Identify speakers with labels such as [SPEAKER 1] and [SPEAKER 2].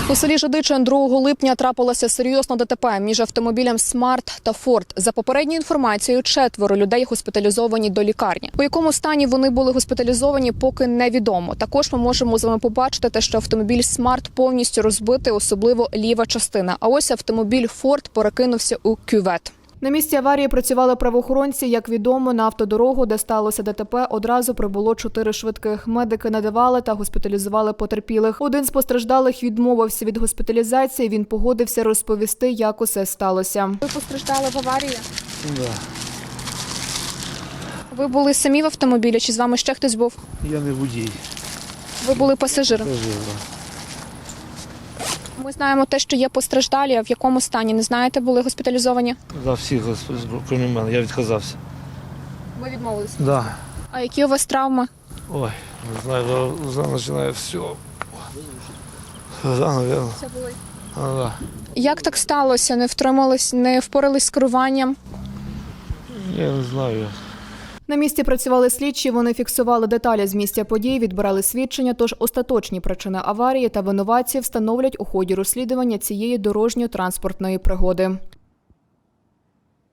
[SPEAKER 1] У селі Жидичин 2 липня трапилося серйозне ДТП між автомобілем «Смарт» та «Форд». За попередньою інформацією, 4 людей госпіталізовані до лікарні. У якому стані вони були госпіталізовані, поки невідомо. Також ми можемо з вами побачити те, що автомобіль «Смарт» повністю розбитий, особливо ліва частина. А ось автомобіль «Форд» перекинувся у кювет. На місці аварії працювали правоохоронці. Як відомо, на автодорогу, де сталося ДТП, одразу прибуло 4 швидких. Медики надавали та госпіталізували потерпілих. Один з постраждалих відмовився від госпіталізації. Він погодився розповісти, як усе сталося. Ви постраждали в аварії?
[SPEAKER 2] Так. Да.
[SPEAKER 1] Ви були самі в автомобілі чи з вами ще хтось був?
[SPEAKER 2] Я не водій.
[SPEAKER 1] Ви були пасажиром?
[SPEAKER 2] Пасажир.
[SPEAKER 1] Ми знаємо те, що є постраждалі, а в якому стані, не знаєте, були госпіталізовані?
[SPEAKER 2] Да, всіх, крім мене, я відказався.
[SPEAKER 1] Ви відмовилися?
[SPEAKER 2] Да.
[SPEAKER 1] А які у вас травми?
[SPEAKER 2] Ой, не знаю, вже починає все. Да, наверное.
[SPEAKER 1] Все були.
[SPEAKER 2] Да.
[SPEAKER 1] Як так сталося? Не втримались, не впорались з керуванням?
[SPEAKER 2] Я не знаю.
[SPEAKER 1] На місці працювали слідчі, вони фіксували деталі з місця подій, відбирали свідчення, тож остаточні причини аварії та винуватців встановлять у ході розслідування цієї дорожньо-транспортної пригоди.